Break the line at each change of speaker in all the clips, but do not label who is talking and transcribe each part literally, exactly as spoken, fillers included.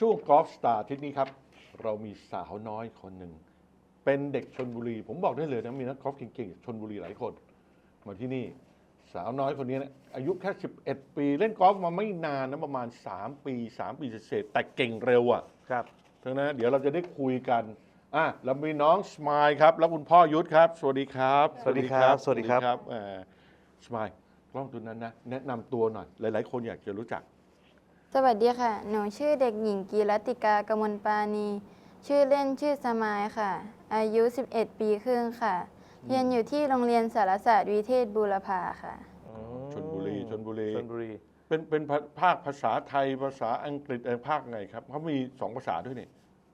ช่วงกอล์ฟสตาร์ที่นี้ครับเรามีสาวน้อยคนหนึ่งเป็นเด็กชลบุรีผมบอกได้เลยนะมีนักกอล์ฟเก่งๆชลบุรีหลายคนมาที่นี่สาวน้อยคนนี้นะอายุแค่สิบเอ็ดปีเล่นกอล์ฟมาไม่นานนะประมาณสามปีสามปีเศษแต่เก่งเร็วอ่ะ
ครับ
ทั้งนั้นเดี๋ยวเราจะได้คุยกันอ่ะเรามีน้องสมายครับแล้วคุณพ่อยุทธครับสวัสดีครับ
สวัสดีครับสวัสดีครับ
สมายกล้องตัวนั้นนะแนะนำตัวหน่อยหลายๆคนอยากจะรู้จัก
สวัสดีค่ะ หนูชื่อเด็กหญิงกีรัตติกากมลปาณี ชื่อเล่นชื่อสมายค่ะ อายุ สิบเอ็ด ปีครึ่งค่ะ เรียนอยู่ที่โรงเรียนสารศาสตร์วิเทศบูรพาค่ะ
ชลบุรีชลบุรี
ชลบุรี
เป็นเป็นภาคภาษาไทยภาษาอังกฤษเออภาคไงครับเขามีสองภาษาด้วยนี่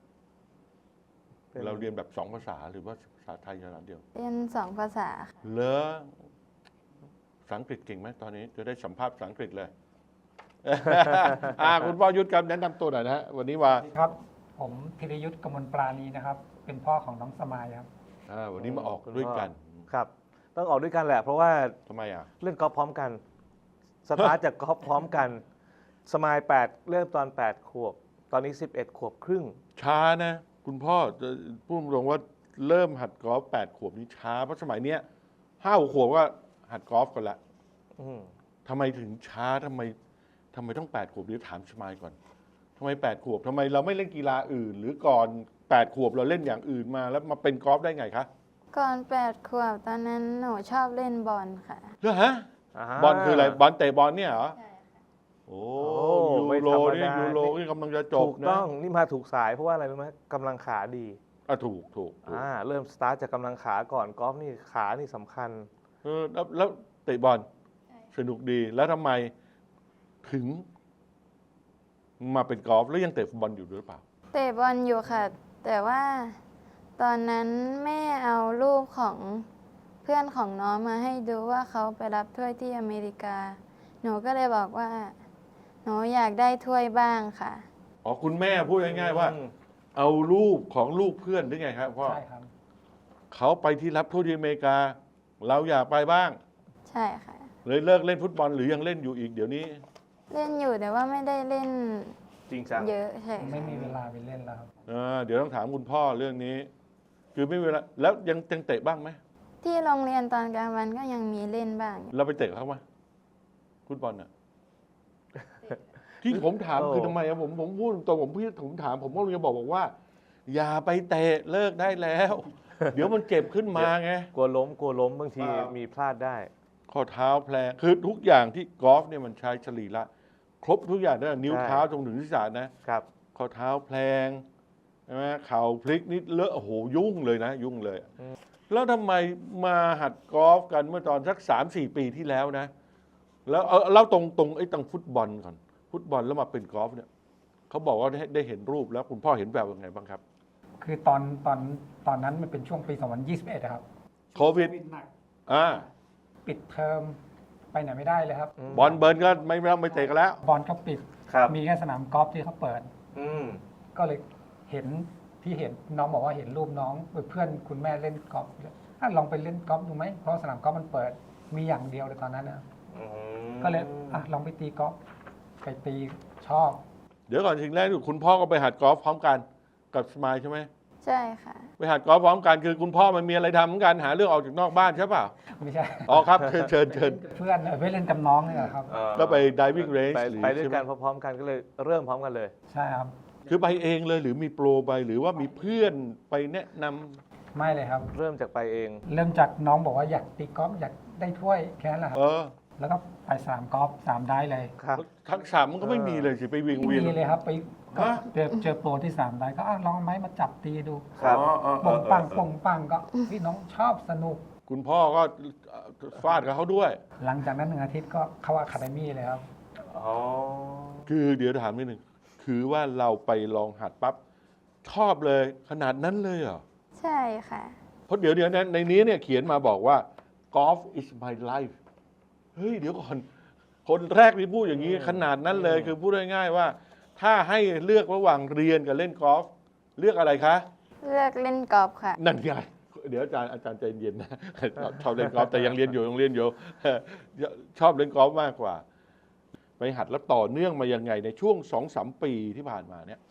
เราเรียนแบบสองภาษาหรือว่าภาษาไทยภาษาเดียว
เรียนสองภาษาค่ะ
เหรอภาษาอังกฤษเก่งไหมตอนนี้จะได้สัมภาษณ์ภาษาอังกฤษเลย อ่าคุณพ่อยุทธครับแนะนำตัวหน่อยนะฮะวันนี้ว่า
ครับผมพิรยุทธ์กมลปราณีนะครับ เป็นพ่อของน้องสมายครับ
อ่าวันนี้มาออกด้วยกัน
ครับ ต้องออกด้วยกันแหละ เพราะว่า
ทำไมอ่ะ
เล่นกอล์ฟพร้อมกัน สตาร์ทจากกอล์ฟพร้อมกัน สมายแปดเริ่มตอนแปดขวบ ตอนนี้สิบเอ็ดขวบครึ่ง
ช้านะ คุณพ่อจะพูดตรงว่าเริ่มหัดกอล์ฟแปดขวบนี่ช้าเพราะสมัยเนี้ยห้าขวบก็หัดกอล์ฟกันละ
อืม
ทำไมถึงช้าทำไมทำไมต้องแปดขวบเดี๋ยวถามสมายก่อนทำไมแปดขวบทำไมเราไม่เล่นกีฬาอื่น หรือก่อนแปดขวบเราเล่นอย่างอื่นมาแล้วมาเป็นกอล์ฟได้ไงคะ
ก่อนแปดขวบตอนนั้นหนูชอบเล่นบอลค่ะ
เหรอฮะ
า
บอลคืออะไรบอลเตะบอลเนี่ยเหรอ
ใช่ค่ะ
โอ้
โอ้
ยู
ไม่
โร
ธรรมดา
นี่ยูโรนี่กำลังจะจบ
ถูก
นะ
ต้อง นี่มาถูกสาย เพราะว่าอะไรรู้ไหมกำลังขาดี
อ่ะถูกถูกถูก
อ่า เริ่มสตาร์ทจากกำลังขาก่อน กอล์ฟนี่ขานี่สำคัญ
เออแล้วแล้วเตะบอลสนุกดีแล้วทำไมถึงมาเป็นกอล์ฟแล้วยังเตะฟุตบอลอยู่หรือเปล่า
เตะบอลอยู่ค่ะ แต่ว่าตอนนั้นแม่เอารูปของเพื่อนของน้องมาให้ดูว่าเขาไปรับถ้วยที่อเมริกา หนูก็เลยบอกว่า หนูอยากได้ถ้วยบ้างค่ะ
อ๋อคุณแม่พูดง่ายๆว่า
อืม
เอารูปของลูกเพื่อนหรือไงครับพ่อ
ใช่ครับ
เขาไปที่รับทั่วที่อเมริกา เราอยากไปบ้าง
ใช่ค่ะ
เลยเลิกเล่นฟุตบอลหรือยังเล่นอยู่อีกเดี๋ยวนี้
เล่นอยู่แต่ว่าไม่ได้เล่น
จริงจัง
เยอะใช่
ไม่
ค่ะ
มีเวลาไปเล่นแล้วครับ
อ่าเดี๋ยวต้องถามคุณพ่อเรื่องนี้ คือไม่เวลาแล้วยังยังเตะบ้างไหม
ที่โรงเรียนตอนกลางวันก็ยังมีเล่นบ้าง
เราไปเตะเขาไหมฟุตบอลน่ะ ที่ผมถาม
โอ้
คือทำไมอะผมผมพูดตรงผมพี่ผมถาม ผมก็เลยบอกบอกว่า อย่าไปเตะเลิกได้แล้ว เดี๋ยวมันเจ็บขึ้นมาไง
กลัวล้ม กลัวล้ม บางที
อ่ามี
มีพลาดได้
ข้อเท้าแพลงคือทุกอย่างที่กอล์ฟเนี่ยมันใช้สรีระครบทุกอย่างตั้งแต่นิ้ว
ใช่
เท้าจนถึงศีรษะนะครับ ข้อเท้าแพลงใช่ไหมเข่าพลิกนิดเลอะโอ้โหยุ่งเลยนะ ยุ่งเลย แล้วทำไมมาหัดกอล์ฟกันเมื่อตอนสักสามสี่ปีที่แล้วนะ แล้วเอาเล่าตรงตรงไอ้ตังฟุตบอลก่อน ฟุตบอลแล้วมาเป็นกอล์ฟเนี่ยเขาบอกว่าได้ได้เห็นรูปแล้วคุณพ่อเห็นแบบยังไงบ้างครับ
คือตอนตอนตอนนั้นมันเป็นช่วงปี สองพันยี่สิบเอ็ดครับ
โควิด
หนัก
อ่า
ปิดเทอมไปไหนไม่ได้เลยครับ
ม
บอลเบิร์นก็ไม่ไม่ไม่เตะกันแล้ว
บอลก็ปิด
ครับ
มีแค่สนามกอล์ฟที่เขาเปิด
อืม
ก็เลยเห็นที่เห็นน้องบอกว่าเห็นรูปน้องเพื่อนคุณแม่เล่นกอล์ฟอ่ะลองไปเล่นกอล์ฟดูไหมเพราะสนามกอล์ฟมันเปิดมีอย่างเดียวเลยตอนนั้นนะ
อืม
ก็เลยอ่ะลองไปตีกอล์ฟไปตีชอบ
เดี๋ยวก่อนสิ่งแรกคือคุณพ่อก็ไปหัดกอล์ฟพร้อมกันกับสมายใช่ไหม
ใช่ค่ะ
ไปหัดกอล์ฟพร้อมกันคือคุณพ่อมันมีอะไรทำเหมือนกันหาเรื่องออกจากนอกบ้านใช่เปล่า
ไม่ใช่
อ๋อครับเชิญเชิญเชิญ
เพื่อนเออไปเล่นกับน้องนี่แหละครับ
เอ่อ
ก็ไป diving range
ไป
หรือ
ไปด้วย
ใช่ไหม
กันพร้อมๆกันก็เลยเริ่มพร้อมกันเลย
ใช่ครับ
คือไปเองเลยหรือมีโปรไปหรือว่ามีเพื่อนไปแนะนำ
ไม่เลยครับ
เริ่มจากไปเอง
เริ่มจากน้องบอกว่าอยากตีกอล์ฟอยากได้ถ้วยแค่นั้นแหละครั
เอบ อ
แล้วก็ไปสนามกอล์ฟสามได้เลย
ครับ
ทักษะมันก็ไม่มีเลยสิไปวิ่ง
ไม่
เวียน
มีเลยครับไปก็
ฮะ
เจอเจอโปรที่สามได้ก็อ่ะลองเอาไม้มาจับตีดู
ครับ
อ๋ออ๋ออ๋
ป่
อง
ปังป่งปังก็พี่น้องชอบสนุก
คุณพ่อก็ฟาดกับเขาด้วย
หลังจากนั้นหนึ่งอาทิตย์ก็เข้าอะคาเดมี่เลยครับ
อ๋อ
คือเดี๋ยวถามนิดหนึ่งคือว่าเราไปลองหัดปั๊บชอบเลยขนาดนั้นเลยเหรอ
ใช่ค่ะ
เพราะเดี๋ยวเดี๋ยวนะในนี้เนี่ยเขียนมาบอกว่า golf is my life เฮ้ยเดี๋ยวก่อน คนแรกที่พูดอย่างนี้ขนาดนั้นเลยคือพูดง่ายๆว่า ถ้าให้เลือกระหว่างเรียนกับเล่นกอล์ฟเลือกอะไรคะ
เลือกเล่นกอล์ฟค่ะ
นั่นไงเดี๋ยวอาจารย์อาจารย์ใจเย็นนะ ชอบเล่นกอล์ฟแต่ยังเรียนอยู่ยังเรียนอยู่ ชอบเล่นกอล์ฟมากกว่า ไปหัดแล้วต่อเนื่องมายังไงในช่วงสองสามปีที่ผ่านมาเนี่ย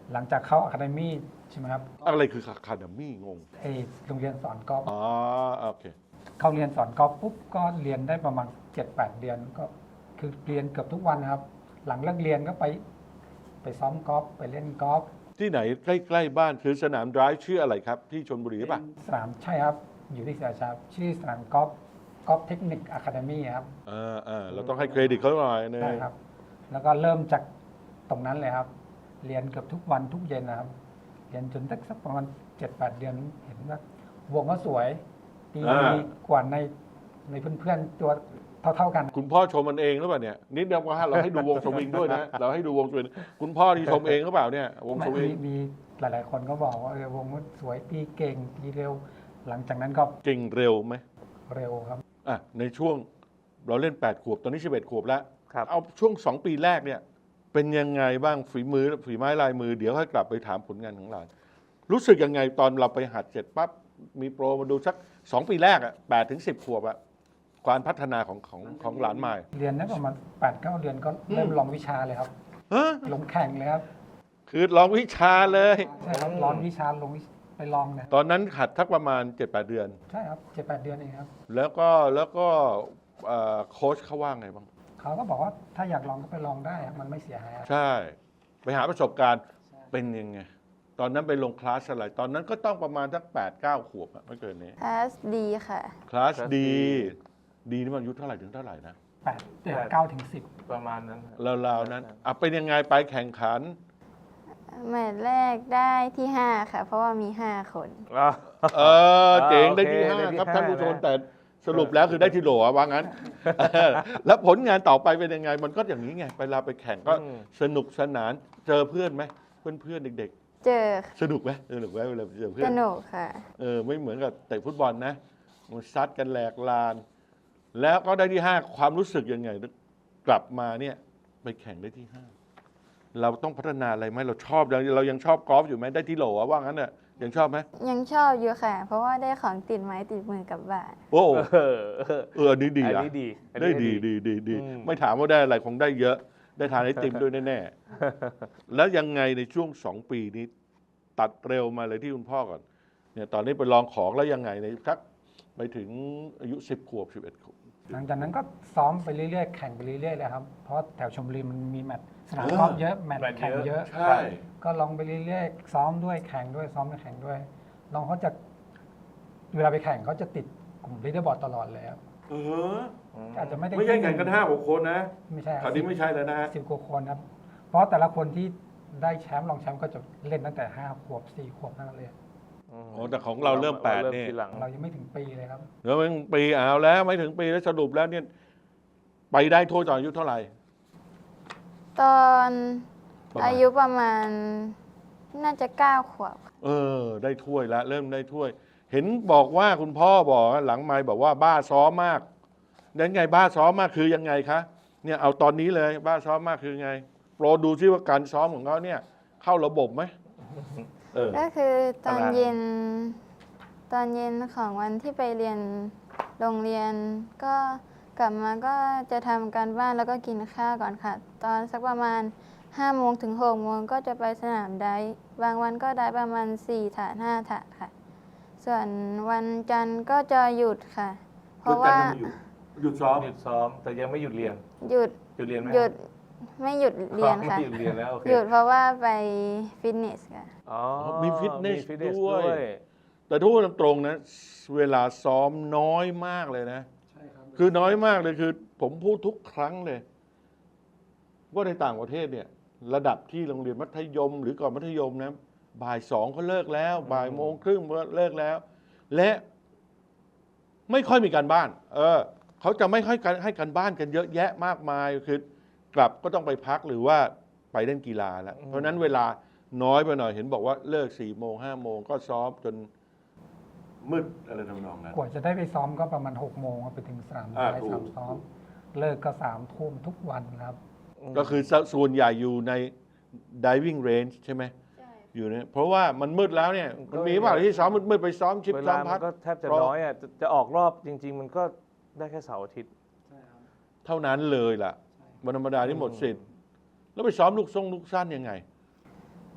หลังจากเข้าอะคาเดมี่ใช่ไหมครับ
อะไรคือคาเดมี่งง
ไอโรงเรียนสอนกอล์ฟ
อ๋อโอเค
เข้าเรียนสอนกอล์ฟปุ๊บก็เรียนได้ประมาณ เจ็ดแปด เดือนก็คือเรียนเกือบทุกวันนะครับ หลังเลิกเรียนก็ไปไปซ้อมกอล์ฟไปเล่นกอล์ฟ
ที่ไหนใกล้ๆบ้านคือสนามดรายชื่ออะไรครับ ที่ชลบุรีหรือเปล่ะ
สนามใช่ครับ อยู่ที่ศรีราชาชื่อสนามกอล์ฟกอล์ฟเทคนิคอะคาเดมี่ครับ
อ่าอ่าเราต้องให้เครดิตเขาหน่อยเน
ใช่
ย
ครับ แล้วก็เริ่มจากตรงนั้นเลยครับ เรียนเกือบทุกวันทุกเย็นนะครับ เรียนจนสักประมาณ เจ็ดแปด เดือนเห็นว่าวงก็สวยดี
อ่า
กว่าในในเพื่อนๆตัวเท่าๆกัน
คุณพ่อชมมันเองหรือเปล่าเนี่ยนิดเดียวก็ให้เราให้ดูวงสวิงด้วยนะ เราให้ดูวงสวิงคุณพ่อที่ชมเองหรือเปล่าเนี่ยวงสวิ
มี
ง
มีหลายๆคนก็บอกว่าเออวงมันสวยตีเก่งตีเร็ว หลังจากนั้นก็
เก่งเร็วไหม
เร็วครับ
อ่ะในช่วงเราเล่นแปดขวบตอนนี้สิบเอ็ดขวบแล้ว
ครับ
เอาช่วงสองปีแรกเนี่ยเป็นยังไงบ้างฝีมือฝีไม้ลายมือเดี๋ยวให้กลับไปถามผลงานของหลานรู้สึกยังไงตอนเราไปหัดเสร็จปั๊บมีโปรมาดูสักสองปีแรกอ่ะแปดถึงสิบขวบอ่ะการพัฒนาของของของหลานใหม่
เรียนได้ประมาณ แปดเก้า เดือนก็เริ่มลองวิชาเลยครับ
ฮะ
ลงแข่งเลยครับ
คือลองวิชาเลย
ใช่ครับลองวิชาลงวิชไปลองเนี่ย
ตอนนั้นหัดทักประมาณ เจ็ดแปด เดือน
ใช่ครับเจ็ดแปดเดือนเองครับ
แล้วก็แล้วก็เอ่อโค้ชเขาว่าไงบ้าง
เขาก็บอกว่าถ้าอยากลองก็ไปลองได้ครับมันไม่เสียหายครับ
ใช่ ไปหาประสบการณ์เป็นยังไง ตอนนั้นไปลงคลาสอะไร ตอนนั้นก็ต้องประมาณสักแปดเก้าขวบอะไม่เกินนี้
คลาสดีค่ะ
คลาส
คลาส
ดี
ดี
ดีนี่มันอายุเท่าไหร่ถึงเท่าไหร่นะ
แปดเดือนเก้าถึงสิบ
ประมาณนั้นครับ
ราวๆนั้นอ่ะเป็นยังไงไปแข่งขัน
แมตช์แรกได้ที่ห้าค่ะ เพราะว่ามีห้าคน
อ่ะ
เออเจ๋ง
โอเค
ได้ที่ห้า
ได้ที่
ครับ
ห้า
ท่านผู้ชม
นะ
แต่สรุปแล้วคือได้ที่โหลอะว่างั้น แล้วผลงานต่อไปเป็นยังไง มันก็อย่างนี้ไงเวลาไปแข่งก็
อืม
สนุกสนานเจอเพื่อนไหมเพื่อนเพื่อนๆเด็ก
เจอ
ๆ สนุกไหมสนุกไหมเวลาเจอเพื่
ส
อน
นุกค่ะ
เออไม่เหมือนกับเตะฟุตบอลนะมันซัดกันแหลกลาน แล้วก็ได้ที่ห้าความรู้สึกยังไง กลับมาเนี่ยไปแข่งได้ที่ห้าเราต้องพัฒนาอะไรไหมเราชอบเราเรายังชอบกอล์ฟอยู่ไหมได้ที่โหลอะว่างั้นเนี่ยยังชอบไหม
ยังชอบอยู่ค่ะ เพราะว่าได้ของติดไม้ติดมือกลับบ้าน
โอ้
เออเออ
เอออันนี้ดี
อัน
อะ
นี้ดีอัน
ได้
นี้
ดีดีดีดี
อืม
ไม่ถามว่าได้อะไรคงได้เยอะ ได้ทานไอติมด้วยแน่ๆ แล้วยังไงในช่วงสองปีนี้ ตัดเร็วมาเลยที่คุณพ่อก่อนเนี่ยตอนนี้ไปลองของแล้วยังไงในทักไปถึงอายุสิบขวบสิบเอ็ดขวบ
หลังจากนั้นก็ซ้อมไปเรื่อยๆ แข่งไปเรื่อยๆเลยครับ เพราะแถวชลบุรีมันมีแมตช์สนาม
เออ
กอล์ฟเยอะ แมตช์
แมตช์
แข่ง
เยอะ
เยอะ
ใช่
ก็ลองไปเรื่อยๆ ซ้อมด้วยแข่งด้วยซ้อมด้วยแข่งด้วยน้องเขาจะเวลาไปแข่งเขาจะติดกลุ่มลีดเดอร์บอร์ดตลอดเลยครับ
เออ
อาจจะไม่ได้
ไม่ใช่แข่งกันห้าหกคนนะ
ไม่ใช่
คราวนี้ไม่ใช่แล้วนะ
สิบกว่าคนครับ เพราะแต่ละคนที่ได้แชมป์รองแชมป์ก็จะเล่นตั้งแต่ห้าขวบสี่ขวบนั่นเลย
ม
โอ้แต่ของเราเริ่มแปด
เริ่ม
นี่
ทีหลัง
เรายังไม่ถึงปีเลยครับ
เดี๋ยวมันปีเอาแล้วไม่ถึงปีแล้วสรุปแล้วเนี่ยไปได้โทษตอนอายุเท่าไหร่
ตอน
ประมาณ
อายุประมาณน่าจะเก้าขวบ
เออ ได้ถ้วยแล้วเริ่มได้ถ้วย เห็นบอกว่าคุณพ่อบอกหลังไม่บอกว่าบ้าซ้อมมากนั้นไงบ้าซ้อมมากคือยังไงคะเนี่ยเอาตอนนี้เลยบ้าซ้อมมากคือไงโปรดูซิว่าการซ้อมของเขาเนี่ย เข้าระบบไหมเออ
ก็คือตอน
ตาราง
เย็น ตอนเย็นของวันที่ไปเรียนโรงเรียน ก็กลับมาก็จะทำการบ้านแล้วก็กินข้าวก่อนค่ะ ตอนสักประมาณห้าโมงถึงหกโมงก็จะไปสนามไดฟ์บางวันก็ได้ประมาณสี่ถาดห้าถาดค่ะ ส่วนวันจันทร์ก็จะหยุดค่ะ เพราะว่า
หยุดซ้อม
หยุดซ้อมแต่ยังไม่หยุดเรียน
หยุด
หยุดเรียนไหม
หยุดไม่หยุดเรียนค่ะ
ไม่หยุดเรียนแล้วโอเค
หยุดเพราะว่าไปฟิตเนสค่ะ
อ๋อ
มีฟิตเนส
มีฟิตเนส
ด้วย
ด้วย
แต่ทุกคนตรงๆนะ เวลาซ้อมน้อยมากเลยนะ
ใช่ครับ
คือน้อยมากเลยคือ ผมพูดทุกครั้งเลย ว่าในต่างประเทศเนี่ย ระดับที่โรงเรียนมัธยม หรือก่อนมัธยมนะบ่ายสองเขาเลิกแล้ว บ่ายโมงครึ่งก็เลิกแล้ว และไม่ค่อยมีการบ้าน เออเขาจะไม่ค่อยให้การบ้านกันเยอะแยะมากมายคือกลับก็ต้องไปพักหรือว่าไปเล่นกีฬาแล้ว เพราะฉะนั้นเวลาน้อยไปหน่อยเห็นบอกว่าเลิกสี่โมงห้าโมงก็ซ้อมจนมืดอะไรทำนองนั้น
กว่าจะได้ไปซ้อมก็ประมาณหกโมงครับไปถึงสนาม
อ่า
ได
ถูก
สนามซ้อม เลิกก็สามทุ่มทุกวันครับ
ก็คือส่วนใหญ่อยู่ใน diving range ใช่ไหมอยู่เนี่ยเพราะว่ามันมืดแล้วเนี่ย มันมีเปล่าที่ซ้อมมืดๆไปซ้อมชิป
เว
ซ้อ
ลาม มั
พั
น
ด
ก็แทบจะ
เพราะ
น้อยอ่ะจะจะออกรอบจริง ๆ มันก็ได้แค่เสาร์อาทิตย์
เท่านั้นเลยล่ะวันธรรมดานี่หมดสิทธิ์แล้วไปซ้อมลูกทรงลูกสั้นยังไง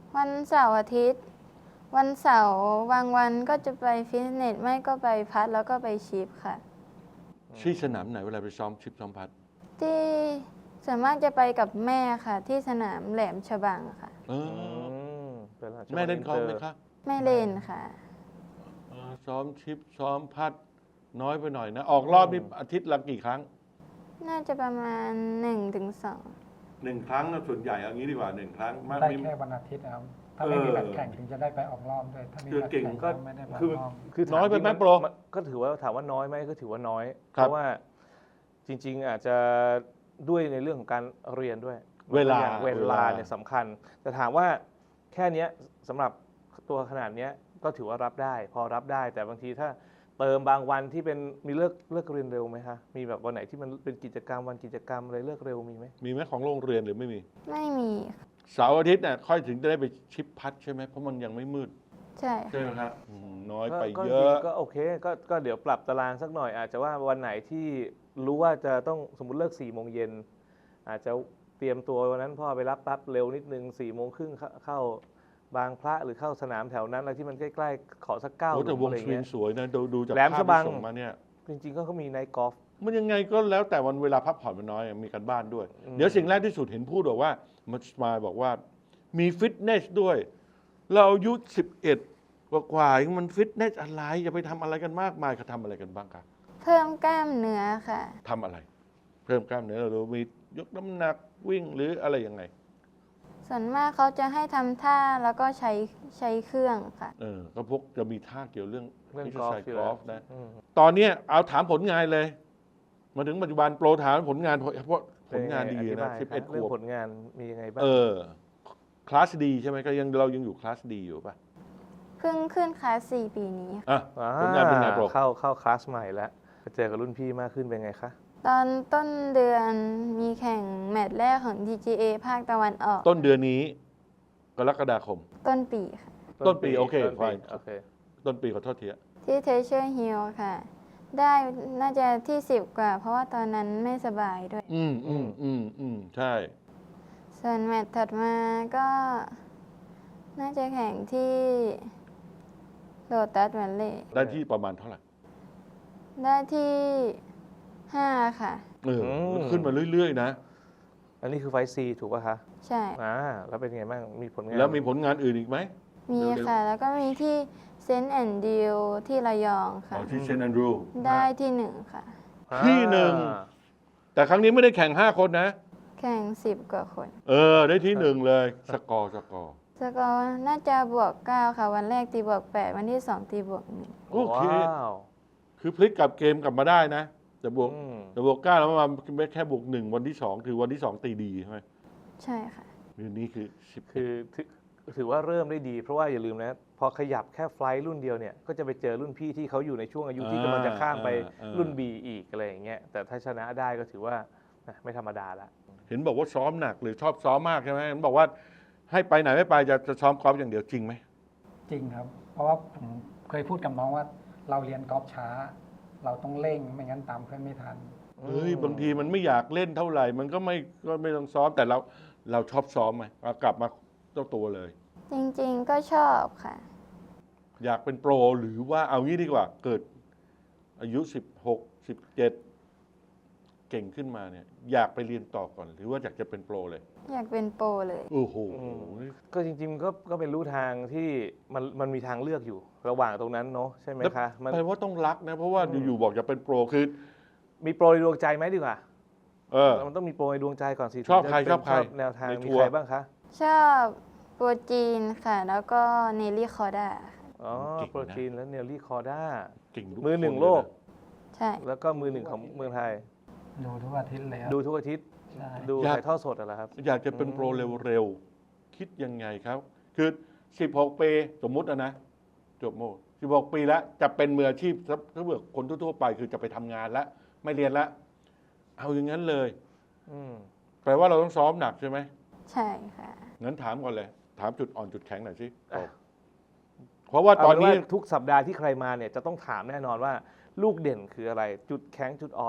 วันเสาร์อาทิตย์ วันเสาร์บางวันก็จะไปฟิตเนสไม่ก็ไปพัดแล้วก็ไปชิปค่ะ
ที่สนามไหนเวลาไปซ้อมชิปซ้อมพัด
ที่ส่วนมากจะไปกับแม่ค่ะ ที่สนามแหลมฉบังค่ะ
เอ
อื
อ
มเป็นราช
แม่เล่นกอล์ฟไหม
อิตร์
คะ
ไม่เล่นค่ะ
เออซ้อมชิปซ้อมพัดน้อยไปหน่อยนะ ออกรอบนี่อาทิตย์ละกี่ครั้ง
น่าจะประมาณหนึ่งถึงสอง
หนึ่งครั้งนะส่วนใหญ่เอางี้ดีกว่าหนึ่งครั้งมาก
ได้
ไม่
แค่วันอาทิตย์นะครับ ถ้าไม่มีแบตแข่งถึงจะได้ไปออกรอบด้วย ถ้ามี
คือ
แบต
เก่ง
แข่ง
ก็
ก็ไม่ได้ไปอ
คือ
อกรอบ
คือ
น้อยไปไหม
ถาจริง
โปร
นก็ถือว่าถามว่าน้อยไหมก็ถือว่าน้อย เพ
ครับ
ราะว่าจริง ๆ อาจจะด้วยในเรื่องของการเรียนด้วย
เวลา
อย่างเว
เว
ลา
ลา
เนี่ยสำคัญ แต่ถามว่าแค่เนี้ยสำหรับตัวขนาดเนี้ยก็ถือว่ารับได้ พอรับได้ แต่บางทีถ้าเติมบางวันที่เป็นมีเลิกเลิกเรียนเร็วไหมคะมีแบบวันไหนที่มันเป็นกิจกรรมวันกิจกรรมอะไรเลิกเร็วมีไหม
มีไหมของโรงเรียนหรือไม่มี
ไม่มีค่ะ
เสาร์อาทิตย์เนี่ยค่อยถึงจะได้ไปชิปพัดใช่ไหมเพราะมันยังไม่มืด
ใช่ค่ะ
ใช่ไหมครับอืมน้อยไป
ก็
เย
จริ
อะ
งๆก็โอเคก็ก็เดี๋ยวปรับตารางสักหน่อย อาจจะว่าวันไหนที่รู้ว่าจะต้องสมมติเลิกสี่โมงเย็นอาจจะเตรียมตัววันนั้นพ่อไปรับปั๊บเร็วนิดนึงสี่โมงครึ่งเข้าเข้าบางพระหรือเข้าสนามแถวนั้นอะไรที่มันใกล้ๆขอสักเก้า
โอ้แต่วง
อะไร
สวิง
เงี้ย
สวยนะดูดูจาก
แหลม
ภาพ
ฉบัง
ที่ส่งมาเนี่ย
จริงๆก็เขามีไนท์กอล์ฟ
มันยังไงก็แล้วแต่วันเวลาพักผ่อนมันน้อยมีการบ้านด้วย
อืม
เดี๋ยวสิ่งแรกที่สุดเห็นพูดบอกว่ามันมาบอกว่ามีฟิตเนสด้วย เราอายุสิบเอ็ดกว่าๆมันฟิตเนสอะไรจะไปทำอะไรกันมากมายเขาทำอะไรกันบ้างครับ
เพิ่มกล้ามเนื้อค่ะ
ทำอะไร เพิ่มกล้ามเนื้อเราดูมียกน้ำหนักวิ่งหรืออะไรยังไง
ส่วนมากเขาจะให้ทำท่าแล้วก็ใช้ใช้เครื่องค่ะ
เออก็พวกจะมีท่าเกี่ยวเรื่อง
เรื่อง
ที่
กอล์ฟ
ใส่
อยู่
ก
แล้
อ
ว
ล์ฟนะ
อืม
ตอนเนี้ยเอาถามผลงานเลย มาถึงปัจจุบันโปรถามผลงานเพราะเพราะผลงานดี
เป็ยัไอ
นะ
ธิ
สิบ
บา
เอ็
ย
ด
ค
ข
รับเรื่อง
วบ
ผลงานมียังไงบ้าง
เออคลาสดีใช่ไหมก็ยังเรายังอยู่คลาสดีอยู่ป่ะ
เพิ่งขึ้นคลาสสี่ปีนี้ค่ะ
อ่ะ
อ่า
ผลงานเป็นไงโปร
เข้าเข้าคลาสใหม่แล้วไปเจอกับรุ่นพี่มากขึ้นเป็นไงคะ
ตอนต้นเดือนมีแข่งแมตช์แรกของ ที จี เอ ภาคตะวันออก
ต้นเดือนนี้กรกฎาคม
ต้นปีค่ะ
ต้นปีโอเค
ต้นปี
fine
โอเค
ต้นปีขอโทษทีอะ
ที่เทเชอร์ฮิลค่ะ ได้น่าจะที่สิบกว่า เพราะว่าตอนนั้นไม่สบายด้วย
อืมอืมอืมอืมใช่
ส่วนแมตช์ถัดมาก็น่าจะแข่งที่โ o ตัสวันเล่
ได้ที่ประมาณเท่าไหร่
ได้ที่ห้าค่ะ
เออ
อืม
ขึ้นมาเรื่อยๆนะ
อันนี้คือไฟซีถูกป่ะคะ
ใช่
อ่าแล้วเป็นไงบ้างมีผลงาน
แล้วมีผลงานอื่นอีกไหม
มี
เร็วๆ
ค่ะ แล้วก็มีที่เซนต์แอนดิวที่ระยองค่ะ
อ๋อที่เซนต์แอนดรูว์
ได้ที่หนึ่งค่ะ
อ่า
ที่หนึ่ง แต่ครั้งนี้ไม่ได้แข่งห้าคนนะ
แข่งสิบกว่าคน
เออ ได้ที่หนึ่งเลย สกอร์สกอร์
สกอร์น่าจะบวกเก้าค่ะ วันแรกตีบวกแปดวันที่สองตีบวกหนึ่ง
โอเค
ว้าว
คือพลิกกลับเกมกลับมาได้นะแต่บวก
อืม
แต่บวกเก้าแล้วมาแค่บวกหนึ่งวันที่สองคือวันที่สองตีดีใช่ไหม
ใช่ค่ะ
เดือนนี้คือสิบ
คือถือถือว่าเริ่มได้ดี เพราะว่าอย่าลืมนะพอขยับแค่ไฟล์รุ่นเดียวเนี่ยก็จะไปเจอรุ่นพี่ที่เขาอยู่ในช่วงอายุที่กำลังจะข้ามไปรุ่น B อีกอะไรอย่างเงี้ยแต่ถ้าชนะได้ก็ถือว่านะไม่ธรรมดาละ
เห็นบอกว่าซ้อมหนักหรือชอบซ้อมมากใช่ไหมเห็นบอกว่าให้ไปไหนไม่ไปจะจะซ้อมกอล์ฟอย่างเดียวจริงไหม
จริงครับ เพราะว่าผมเคยพูดกับน้องว่าเราเรียนกอล์ฟช้า เราต้องเร่งไม่งั้นตามเพื่อนไม่ทัน
เฮ้ยบางทีมันไม่อยากเล่นเท่าไหร่ มันก็ไม่ก็ไม่ต้องซ้อมแต่เราเราชอบซ้อมไหมเอากลับมาเจ้าตัวเลย
จริงๆก็ชอบค่ะ
อยากเป็นโปรหรือว่าเอางี้ดีกว่า เกิดอายุสิบหก สิบเจ็ดเก่งขึ้นมาเนี่ย อยากไปเรียนต่อก่อน หรือว่าอยากจะเป็นโปรเลย
อยากเป็นโปรเลย
โอ้โห
ก็จริงๆก็ก็เป็นรู้ทางที่มันมันมีทางเลือกอยู่ ระหว่างตรงนั้นเนาะใช่ไหมคะมัน
แปลว่าต้องรักนะ เพราะว่า
อืม
อยู่ๆบอกจะเป็นโปรคือ
มีโปรในดวงใจไหมดีกว่า
เออ
มันต้องมีโปรในดวงใจก่อนสิ
ชอบ
ถึงจะ
ใคร
เป็น
ชอบใคร
แนวทาง
ใน
มี
ทัวร์
ใครบ้างคะ
ชอบโปรจีนค่ะ แล้วก็เนลลี่คอร์ด้าค่ะ
อ๋อ
เก่งนะ
โปรจีนและเนลลี่คอร์ด้า
เก่งทุก
มือหนึ่ง
ค
โลก
เยนะ
ใช่
แล้วก็มือหนึ่งของเมืองไทย
ดูทุกอาทิตย์เลยครับ
ดูทุกอาทิตย์
ใช่
ดู
อยาก
ถ่ายทอดสดอะไรอครับ
อยากจะเป็นโปรเร็วๆ คิดยังไงครับ คือ สิบหก ปีสมมุตินะนะ จบโมสิบหก ปีแล้ว จะเป็นมืออาชีพถ้าถ้าเกิดคนทั่วๆไปคือจะไปทำงานแล้ว ไม่เรียนแล้ว เอาอย่างนั้นเลย
อืม
แปลว่าเราต้องซ้อมหนักใช่ไหม
ใช่ค่ะ
งั้นถามก่อนเลย ถามจุดอ่อนจุดแข็งหน่อยสิ
อ่ะ
เพราะว่าตอนนี้
เาเป็ว่าทุกสัปดาห์ที่ใครมาเนี่ยจะต้องถามแน่นอนว่า ลูกเด่นคืออะไร จุดแข็งจุดอ่อน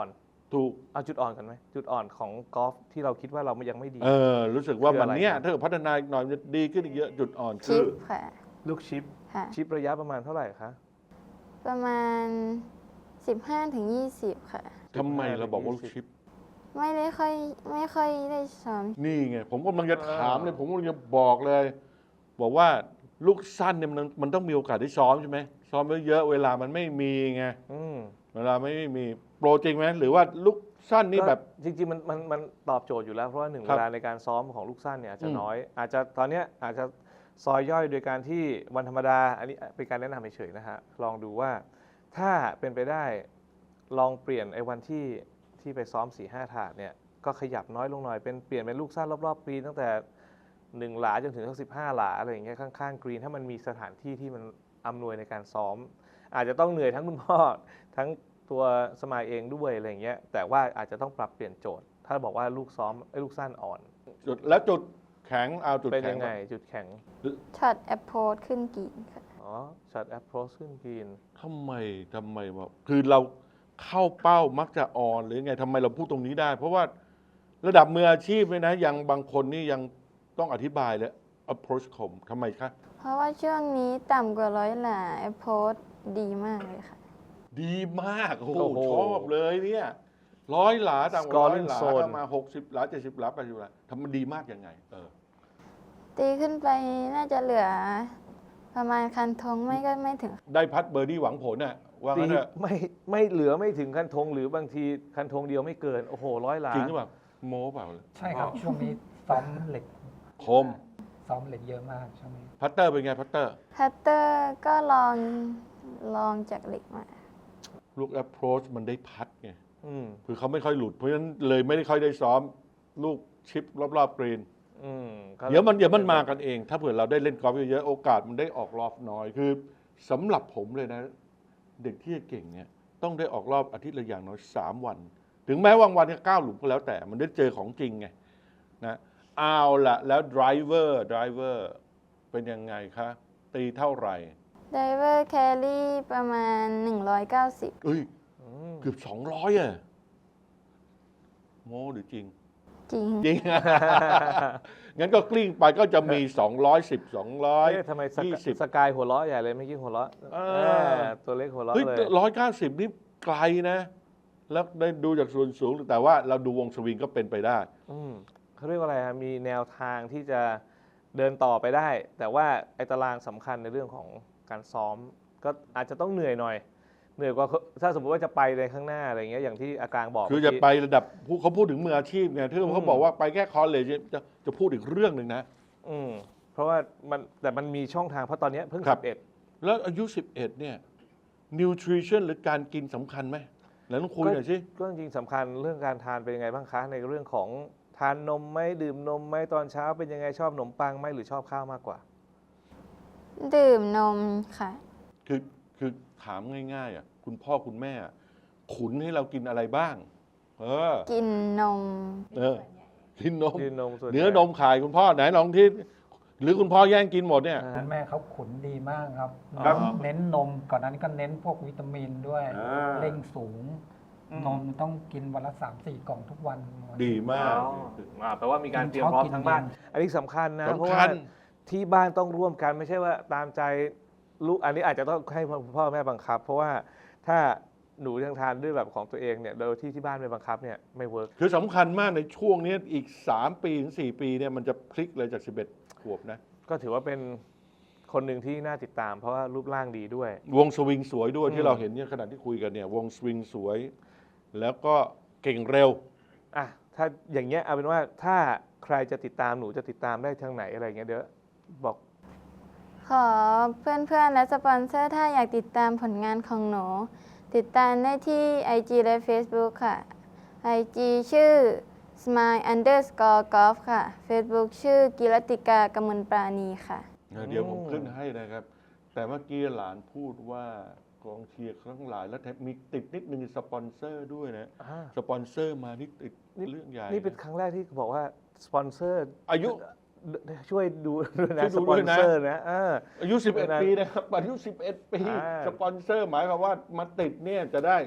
ถูก
เอาจุดอ่อนกันไหมจุดอ่อนของกอล์ฟที่เราคิดว่าเรายังไม่ดี
เออรู้สึกว่า
คือ
มั
อะ
น
ไร
เนี้ย
ครับ
ถ้าเกิดพัฒนาอีกหน่อยมันจะดีขึ้นอีกเยอะจุดอ่อน
ชิ
คือ
ปค่ะ
ลูกชิป
ค่ะ
ชิประยะประมาณเท่าไหร่คะ
ประมาณ สิบห้าถึงยี่สิบ ค่ะ
ทำไมเราบอกว่าลูกชิป
ไม่ได้ค่อยไม่ค่อยได้ซ้อม
นี่ไงผมกำลังจะถามเลยผมกำลังจะบอกเลย บอกว่าลูกสั้นเนี่ยมันมันต้องมีโอกาสได้ซ้อมใช่ไหมซ้อมเยอะๆเวลามันไม่มีไง
อืม
เวลาไม่มีโปรจริงไหมหรือว่าลูกสั้นนี่แบบ
ก็จริงๆมันมันมันตอบโจทย์อยู่แล้วเพราะว่าหนึ่ง
ครั
เว
บ
ลาในการซ้อมของลูกสั้นเนี่ยอาจจะ
อืม
น้อย อาจจะตอนเนี้ยอาจจะซอยย่อยโดยการที่วันธรรมดาอันนี้เป็นการแนะนำเฉยๆนะฮะลองดูว่าถ้าเป็นไปได้ลองเปลี่ยนไอ้วันที่ที่ไปซ้อมสี่ห้าถาดเนี่ยก็ขยับน้อยลงหน่อยเป็นเปลี่ยนเป็นลูกสั้นรอบๆกรีนตั้งแต่หนึ่งหลาจนถึงสักสิบห้าหลาอะไรอย่างเงี้ยข้างๆกรีนถ้ามันมีสถานที่ที่มันอำนวยในการซ้อม อาจจะต้องเหนื่อยทั้งคุณพ่อ ทั้งตัวสมายเองด้วยอะไรอย่างเงี้ยแต่ว่าอาจจะต้องปรับเปลี่ยนโจทย์ ถ้าบอกว่าลูกซ้อมไอ้ยลูกสั้นอ่อน
จุดแล้วจุดแข็งเอาจุด
เป็น
แข็
ยัง งไงจุดแข็ง
ช็อตแอปโพสขึ้นกรีนค่ะ
อ๋อช็อตแอปโรสขึ้นกรีน
ทำไมทำไมวะคือเราเข้าเป้ามักจะอ่อนหรือไงทำไมเราพูดตรงนี้ได้ เพราะว่าระดับมืออาชีพเลยนะยังบางคนนี่ยังต้องอธิบายเลย approach คมทำไมคะ
เพราะว่าช่วงนี้ต่ำกว่าร้อยหลาแอปโพสดีมากเลยค่ะ
ดีมากโอ้โห
โอ้โห
ชอบเลยเนี่ยร้อยหลาต่างกว่าร้อย
Scoring
หลา
zone
ก็มาหกสิบหลาเจ็ดสิบหลาแปดสิบหลาทำมันดีมากยังไงเออ
ตีขึ้นไปน่าจะเหลือประมาณคันธงไม่ก็ไม่ถึง
ได้พัดเบอร์ดี้หวังผลน่ะว่า
ตี
งั้นเถอะ
ไม่ไม่เหลือไม่ถึงคันธงหรือบางทีคันธงเดียวไม่เกิน โอ้โหร้อยหลา
จริงหรือเปล่าโม้เปล่า
ใช่ครับ ช่วงนี้ซ้อมเหล็ก
คม
ซ้อมเหล็กเยอะมากช่วงนี้
พัตเตอร์เป็นไงพัตเตอร์
พัตเตอร์ก็ลองลองจากเหล็กมา
ลูก approach มันได้พัดไง
อืม
คือเขาไม่ค่อยหลุด เพราะฉะนั้นเลยไม่ได้ค่อยได้ซ้อมลูกชิปรอบๆกรีน
อืมก็
เดี๋ยวมันเดี๋ยวมันมากันเอง ถ้าเผื่อเราได้เล่นกอล์ฟเยอะๆโอกาสมันได้ออกรอบน้อย คือสำหรับผมเลยนะ เด็กที่จะเก่งเนี่ยต้องได้ออกรอบอาทิตย์ละอย่างน้อยสามวัน ถึงแม้ว่างวันจะเก้าหลุมก็แล้วแต่มันได้เจอของจริงไงนะเอาละแล้ว driver driver เป็นยังไงคะ ตีเท่าไหร่
ไดเวอร์แครี่ประมาณ หนึ่งร้อยเก้าสิบ
เอ้ย
อืม
เกือบสองร้อยอ่ะโม้หรือจริง
จริง
จริง งั้นก็กลิ้งไปก็จะมี สองร้อยสิบ สองร้อย
เอ๊ะทำไมสก
ยี่สิบ
สกายหัวเราะใหญ่เลยเมื่อกี้หัวเราะ
เออ
เออตัวเล็กหัวเราะ
เฮ้ย
เลย
ร้อยเก้าสิบนี่ไกลนะ แล้วได้ดูจากส่วนสูง แต่ว่าเราดูวงสวิงก็เป็นไปได้
อืมเขาเรียกว่าอะไรฮะมีแนวทางที่จะเดินต่อไปได้ แต่ว่าไอ้ตารางสำคัญในเรื่องของการซ้อม ก็อาจจะต้องเหนื่อยหน่อย เหนื่อยกว่าถ้าสมมติว่าจะไปในข้างหน้าอะไรเงี้ยอย่างที่อากางบอก
คือ
เมื่
จะ
กี้
ไประดับผู้เขาพูดถึงมืออาชีพไงที่
อืม
เขาบอกว่าไปแค่คอลเลจจะจะพูดอีกเรื่องหนึ่งนะ
อืมเพราะว่ามันแต่มันมีช่องทางเพราะตอนเนี้ยเพิ่ง
ครั
สิ
บ
บเอ็ด
แล้วอายุ สิบเอ็ด เนี่ย nutrition หรือการกินสำคัญไหมแล้วต้องคุยหน่อยสิ
ก็จริงๆสำคัญเรื่องการทานเป็นยังไงบ้างคะ ในเรื่องของทานนมไหมดื่มนมไหมตอนเช้าเป็นยังไงชอบขนมปังไหมหรือชอบข้าวมากกว่า
ดื่มนมค่ะ
คือคือถามง่ายๆอ่ะคุณพ่อคุณแม่อะขุนให้เรากินอะไรบ้าง เออ
กินนม
เออ กินนม
ดื่มนมส่วนใหญ่
เนื้อนมขายคุณพ่อไหนลองที่ หรือคุณพ่อแย่งกินหมดเนี่ย
อ่า
คุณแม่เขาขุนดีมากครับ
ครับ
เน้นนมก่อนนั้นก็เน้นพวกวิตามินด้วย
อ่า
เร่งสูง นมต้องกินวันละสามสี่กล่องทุกวัน
ดีมาก
อ่าแปลว่ามีการเตรียมพร้อมทั้งบ้าน อันนี้สำคัญนะ เพราะ
สำคั
ว่า
ญ
ที่บ้านต้องร่วมกันไม่ใช่ว่าตามใจลูกอันนี้อาจจะต้องให้พ่อแม่บังคับ เพราะว่าถ้าหนูยังทานด้วยแบบของตัวเองเนี่ยโดยที่ที่บ้านไม่บังคับเนี่ยไม่เวิร์ก
คือสำคัญมากในช่วงนี้อีก สาม ปีถึง สี่ ปีเนี่ยมันจะพลิกเลยจาก สิบเอ็ด ขวบนะ
ก็ถือว่าเป็นคนหนึ่งที่น่าติดตาม เพราะว่ารูปร่างดีด้วย
วงสวิงสวยด้วย
อืม
ที่เราเห็นเนี่ยขณะที่คุยกันเนี่ยวงสวิงสวย แล้วก็เก่งเร็ว
อ่ะถ้าอย่างเงี้ยเอาเป็นว่าถ้าใครจะติดตามหนูจะติดตามได้ทางไหนอะไรเงี้ยเดี๋ยวบอก
ขอเพื่อนๆ และสปอนเซอร์ถ้าอยากติดตามผลงานของหนู ติดตามได้ที่ ไอ จี และ Facebook ค่ะ ไอ จี ชื่อ smile underscore golf ค่ะ Facebook ชื่อกิรติกากมลปราณีค่ะ
เดี๋ยวผม
อืม
ขึ้นให้นะครับ แต่เมื่อกี้หลานพูดว่ากองเชียร์ทั้งหลายแล้วแถมมีติดนิดนึงสปอนเซอร์ด้วยนะ
อ่า
สปอนเซอร์มานี่ติดเรื่องใหญ่
นี่เป็นครั้งแรกที่บอกว่าสปอนเซอร์
อายุ
ช่วยดูด้วยนะ
ช่วย
ส
ดู
ปอ
ด้
น
วยนะ
เซอร์นะเออ
อายุ สิบเอ็ด
เป็นไง
ปีนะครับอายุ สิบเอ็ด ปี
อ่า
สปอนเซอร์หมายความว่ามาติดเนี่ยจะได้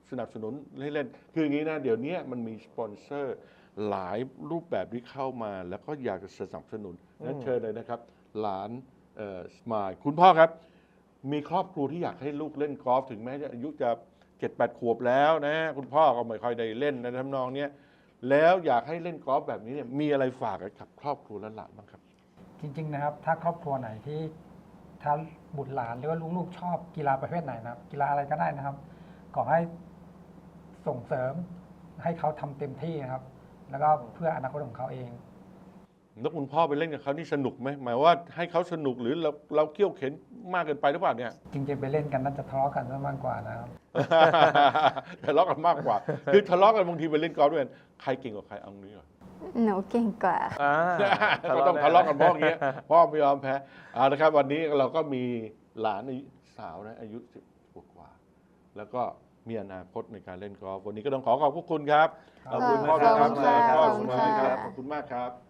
สนับสนุนให้เล่น คืออย่างนี้นะ เดี๋ยวนี้มันมีสปอนเซอร์หลายรูปแบบที่เข้ามา แล้วก็อยากจะสนับสนุนนั้นเชิญเลยนะครับ หลานสมายคุณพ่อครับ มีครอบครัวที่อยากให้ลูกเล่นกอล์ฟถึงแม้จะอายุจะเจ็ดแปดขวบแล้วนะ คุณพ่อก็ไม่ค่อยได้เล่นในทำนองเนี้ยแล้วอยากให้เล่นกอล์ฟแบบนี้เนี่ยมีอะไรฝากกับครอบครัวและหลานบ้างครับ
จริงๆนะครับถ้าครอบครัวไหนที่ถ้าบุตรหลานหรือว่าลูกๆชอบกีฬาประเภทไหนนะครับ กีฬาอะไรก็ได้นะครับขอให้ส่งเสริมให้เขาทำเต็มที่นะครับ แล้วก็เพื่ออนาคตของเขาเอง
แล้วคุณพ่อไปเล่นกับเขานี่สนุกไหมหมายว่าให้เขาสนุกหรือเราเราเขี่ยวเข็นมากเกินไปหรือเปล่าเนี่ย
จริงๆไปเล่นกันน่าจะทะเลาะกันซะมากกว่านะครับ
ทะเลาะกันมากกว่า คือทะเลาะกันบางทีไปเล่นกอล์ฟด้วยกันใครเก่งกว่าใครเอางี้ก่อน
หนูเก่งกว่า
อ่า
ก็ต้องทะเลาะกันเพราะอย่างเงี้ยพ่อไม่ยอมแพ้เอาละครับวันนี้เราก็มีหลานอายุสาวนะอายุสิบกว่าๆแล้วก็มีอนาคตในการเล่นกอล์ฟวันนี้ก็ต้องขอขอบพระคุณครับ
ขอบ
คุ
คุณ ณ
พ่อ
ครับ
ครับ
ขอบคุณค่ะ
ขอบคุณมากครับ
ขอบคุณค่ะ
ขอบคุณมากครับ